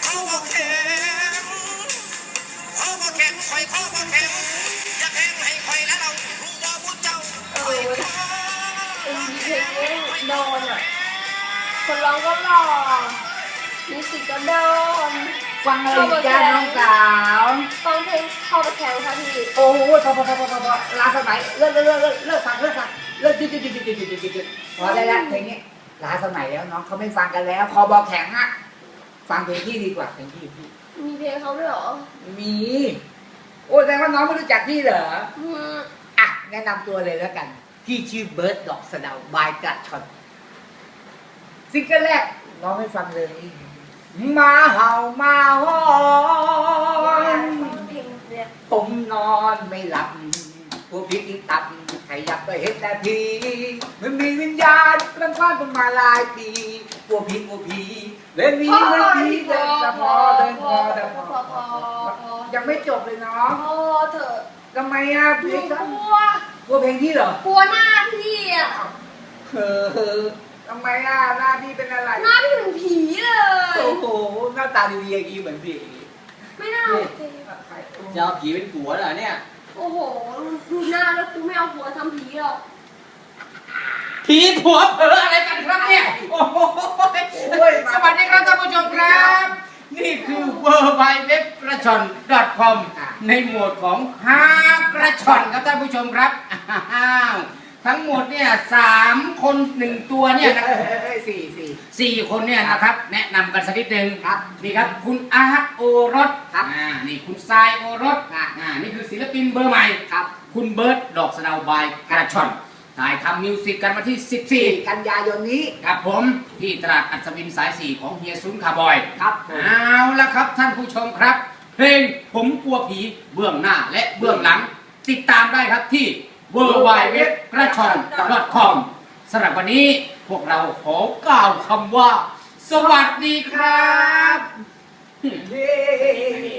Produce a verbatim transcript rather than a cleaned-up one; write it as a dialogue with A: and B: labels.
A: เขาบอกแข็งเขาบอกแข็งคอยเขาบอกแข็งอย่าแข็งให้คอยแล้วเรารู้ว่าผู้เจ้าคอยเขา
B: เพลงนี้โดนอ่ะคนร้องก็หล่อมิวสิกก็โดน
C: ฟังอะไรจ้าน้องสาว
B: ฟังเพลงเข้าไปแข่งค่ะพี่
C: โอ้โหพอพอพอพอพอลาสมัยเลิกเลิกเลิกเลิกเลิกฟังเลิกฟังเลิกหยุดหยุดหยุดหยุดหยุดหยุดหยุดหยุดพอได้แล้วเพลงนี้ลาสมัยแล้วน้องเขาไม่ฟังกันแล้วคอบอกแข็งอะฟังเพลงพี่ดีกว่าเพลงพี่พี่
B: มีเพลงเขาด้วยเหรอ
C: มีโอ้แสดงว่าน้องไม่รู้จักพี่เหรอ
B: อืม
C: อ่ะแนะนำตัวเลยแล้วกันพี่ชื่อเบิร์ดดอกสะเดาบายกระชอนซิงเกิลแรกน้องให้ฟังเลยมาเห่ามาหอน
B: เพลงเนี่ย
C: ผมนอนไม่หลับพวกพี่ที่ตับขยับไปเห็นแต่พีมันมีวิญญาณกำพันกันมาหลายปีพวกพี่พวกพี่เล่นนี้เล่นนี้เดินแต่พอเดินพอเดินพอยังไม่จบเลยน้อง
B: พอเถอะ
C: ทำไมอ่ะเพ
B: ห
C: ล
B: นู
C: ง
B: กลัว
C: กลัวเพลงที่เหรอก
B: ลัวหน้าพี่อ่ะ
C: เออทำไมอ่ะหน้าพี่เป็นอะไร
B: หน้าพี่เหมือนผีเลย
C: โอ้โหหน้าตาดีๆอย่างนี้เหมือนผี
B: ไม่น่าจริง
D: จะเอาผีเป็นผัวเหรอเนี่ย
B: โอ้โหดูหน้าแล้วกูไม่เอาหัวทำผีหรอก
D: ผีผัวเผลออะไรกันครับเนี่ย โอ้โหสวัสดีครับท่านผู้ชมครับ นี่คือ เวอร์ไบเว็บกระชอน .com ในโหมดของฮากระชอนครับท่านผู้ชมครับอ้าวทั้งหมดเนี่ยสามคนหนึ่งตัวเนี่ยนะ
C: เอ้ยสี่สี่
D: สี่คนเนี่ยนะครับ แนะนำกันสักนิดนึง
C: ครับ
D: นี่ครับคุณอาร์ตโอรส
C: ครับ
D: อ่านี่คุณทรายโอรส
C: ครับ
D: อ่านี่คือศิลปินเบอร์ใหม่
C: ครับ
D: คุณเบิร์ดดอกสะเดาบายกระชอนถ่ายทำมิวสิกกันมาที่สิบสี่
C: กันยายนนี้
D: ครับผมที่ตลาดอัศวินสายสี่ของเฮียซุนคาร์บอย
C: ครับผม
D: เอาละครับท่านผู้ชมครับ เพลงผมกลัวผีเบื้องหน้าและเบื้องหลัง ติดตามได้ครับที่ เวอร์ไบเว็บกระชอน .com สำหรับวันนี้พวกเราขอกล่าวคำว่า สวัสดีครับ
C: เย้